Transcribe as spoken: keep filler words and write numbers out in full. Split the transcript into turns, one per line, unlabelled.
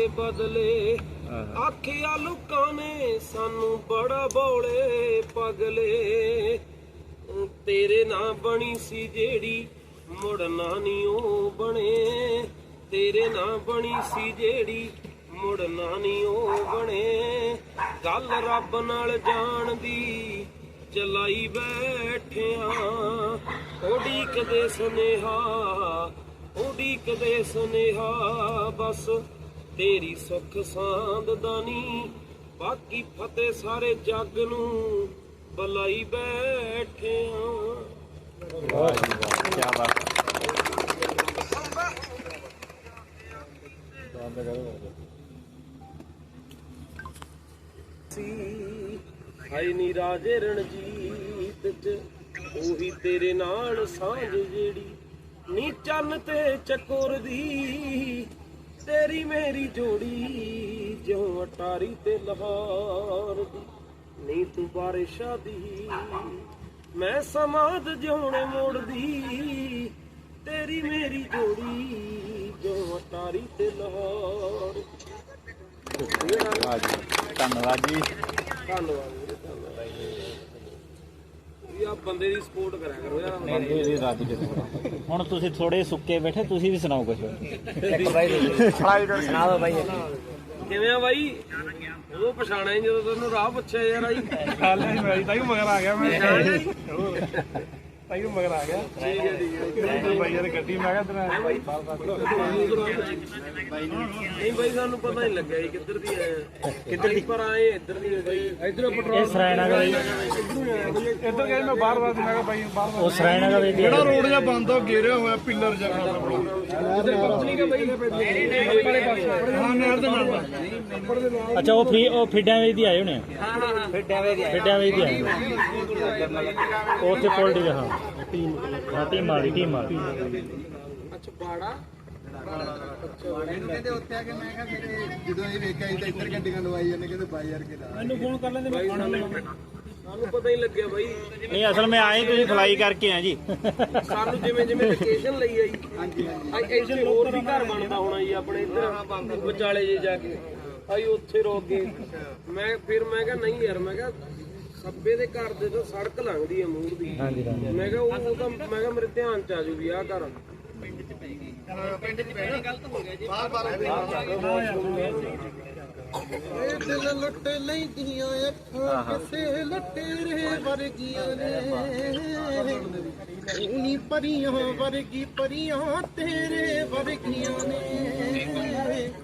बदले आखिया लोकां ने सानू बड़ा बौले पगले तेरे ना बनी सी जेड़ी मुड़ना नी ओ बने तेरे ना बनी सी जेड़ी मुड़ना नी ओ बने गल रब नाल जान दी चलाई बैठिया उड़ीकदे सुनेहा उड़ीकदे सुनेहा बस तेरी सुख सांद दानी बाकी फतेह सारे जग नू बलाई बैठिया।
क्या बात
हाय नी राजे रणजीत च ओही तेरे नाल सांझ जेड़ी नी चन्न ते चकोर दी तेरी मेरी जोड़ी ज्यों अटारी ते लाहौर दी नी तू बारिशा दी मैं समाद ज्योने मोड़ दी तेरी मेरी जोड़ी ज्यों अटारी ते लाहौर।
धन्यवाद जी
ਧੰਨਵਾਦ ਵੀਰੇ ਧੰਨਵਾਦ ਯਾ ਬੰਦੇ ਦੀ ਸਪੋਰਟ ਕਰਿਆ ਕਰੋ ਯਾਰ
ਬੰਦੇ ਦੀ ਰੱਜ ਕੇ ਹੁਣ ਤੁਸੀਂ ਥੋੜੇ ਸੁੱਕੇ ਬੈਠੇ ਤੁਸੀਂ ਵੀ ਸੁਣਾਓ ਕੁਝ
ਇੱਕ ਬਾਈ ਸੁਣਾ ਦੋ ਬਾਈ
ਕਿਵੇਂ ਆ ਬਾਈ ਉਹ ਪਛਾਣਿਆ ਹੀ ਜਦੋਂ ਤੈਨੂੰ ਰਾਹ ਪੁੱਛਿਆ ਯਾਰ ਆਈ
ਹਾਲ ਨਹੀਂ ਮੈਂ ਤਾਂ ਹੀ ਮਗਰ ਆ ਗਿਆ ਮੈਂ ਤਾਂ ਹੀ ਮਗਰ ਆ ਗਿਆ
ਠੀਕ ਹੈ ਠੀਕ ਹੈ
ਬਾਈ ਯਾਰ ਗੱਡੀ ਮੈਂ ਕਿਹਾ ਤੇਰਾ
ਨਹੀਂ ਬਾਈ ਸਾਨੂੰ ਪਤਾ ਨਹੀਂ ਲੱਗਿਆ ਜੀ ਕਿੱਧਰ ਦੀ ਆਏ ਕਿੱਧਰ ਦੀ ਪਰ ਆਏ ਇੱਧਰ ਦੀ ਬਾਈ ਇੱਧਰੋਂ
ਇਹ
ਪੈਟਰੋਲ
ਸਰਾਇਣਾ ਦਾ ਬਾਈ
ਇੱਧਰ ਗਿਆ ਮੈਂ ਬਾਹਰ ਬਾਹਰ ਮੈਂ ਕਿਹਾ ਬਾਈ ਬਾਹਰ
ਉਹ ਸਰਾਇਣਾ ਦਾ ਬਾਈ
ਜਿਹੜਾ ਰੋਡ ਜਿਹਾ ਬੰਦ ਹੋ ਘੇਰਿਆ ਹੋਇਆ ਪਿੱਲਰ ਜਿਹਾ
ਇੱਧਰ ਕੰਪਨੀ ਦਾ ਬਾਈ ਵਾਲੇ ਪਾਸੇ
ਹਾਂ ਨਹਿਰ ਦੇ ਨਾਲ
ਅੱਛਾ ਉਹ ਫੀ ਉਹ ਫਿੱਡਾਂ ਵੇਚ ਦੀ ਆਏ ਹੋਣੇ
ਹਾਂ ਹਾਂ ਹਾਂ
ਫਿੱਟਿਆ ਵੇ ਗਿਆ
ਫਿੱਡਾਂ ਵੇਚ ਦੀ ਆਏ ਉਹ ਉੱਥੇ ਪੋਲਟੀ ਦਾ ਹਾਂ ਟੀਮ ਹਾਂ ਟੀਮ ਮਾਰੀ ਟੀਮ ਮਾਰੀ
ਅੱਛਾ ਬਾੜਾ
ਮੈਨੂੰ ਕਹਿੰਦੇ ਉੱਥੇ ਆ ਕੇ ਮੈਂ ਕਿਹਾ ਮੇਰੇ ਜਦੋਂ ਇਹ ਵੇਖਿਆ ਸੀ ਤਾਂ ਇੱਧਰ ਗੱਡੀਆਂ ਲਵਾਈ ਜਾਂਦੇ ਕਹਿੰਦੇ ਬਾਈ ਯਾਰ ਕੇ ਲਾ
ਮੈਨੂੰ ਫੋਨ ਕਰ ਲੈਂਦੇ ਮੈਂ ਖਾਣਾ
ਸਾਨੂੰ ਪਤਾ ਹੀ ਲੱਗਿਆ ਬਾਈ
ਨਹੀਂ ਅਸਲ ਮੈਂ ਆਏ ਤੁਸੀਂ ਫਲਾਈ ਕਰਕੇ ਆ ਜੀ
ਸਾਨੂੰ ਜਿਵੇਂ ਜਿਵੇਂ ਲੋਕੇਸ਼ਨ ਲਈ ਆਈ ਹਾਂਜੀ ਹਾਂਜੀ ਇੱਥੇ ਹੋਰ ਵੀ ਘਰ ਬਣਦਾ ਹੋਣਾ ਜੀ ਆਪਣੇ ਇੱਧਰ ਵਿਚਾਲੇ ਜੇ ਜਾ ਕੇ ਆਈ ਉੱਥੇ ਰੋਕ ਗਏ ਮੈਂ ਫਿਰ ਮੈਂ ਕਿਹਾ ਨਹੀਂ ਯਾਰ ਮੈਂ ਕਿਹਾ ਸੱਬੇ ਦੇ ਘਰ ਦੇ ਤੋਂ ਸੜਕ ਲੰਘਦੀ ਹੈ ਮੂਹਰ ਦੀ
ਹਾਂਜੀ
ਮੈਂ ਕਿਹਾ ਉਹ ਤਾਂ ਮੈਂ ਕਿਹਾ ਮੇਰੇ ਧਿਆਨ ਚ ਆ ਜੂ ਵੀ ਆਹ ਘਰ
ਪਿੰਡ ਚ ਪੈਣੀ ਗਲਤ ਹੋ ਗਿਆ ਜੀ ਬਾਰ ਬਾਰ ਇਹ ਦਿਲ ਲੁੱਟ ਲੈਂਦੀਆਂ ਅੱਖਾਂ ਕਿਸੇ ਲਟੇਰੇ ਵਰਗੀਆਂ ਨੇ ਨੀ ਪਰੀਆਂ ਵਰਗੀ ਪਰੀਆਂ ਤੇਰੇ ਵਰਗੀਆਂ ਨੇ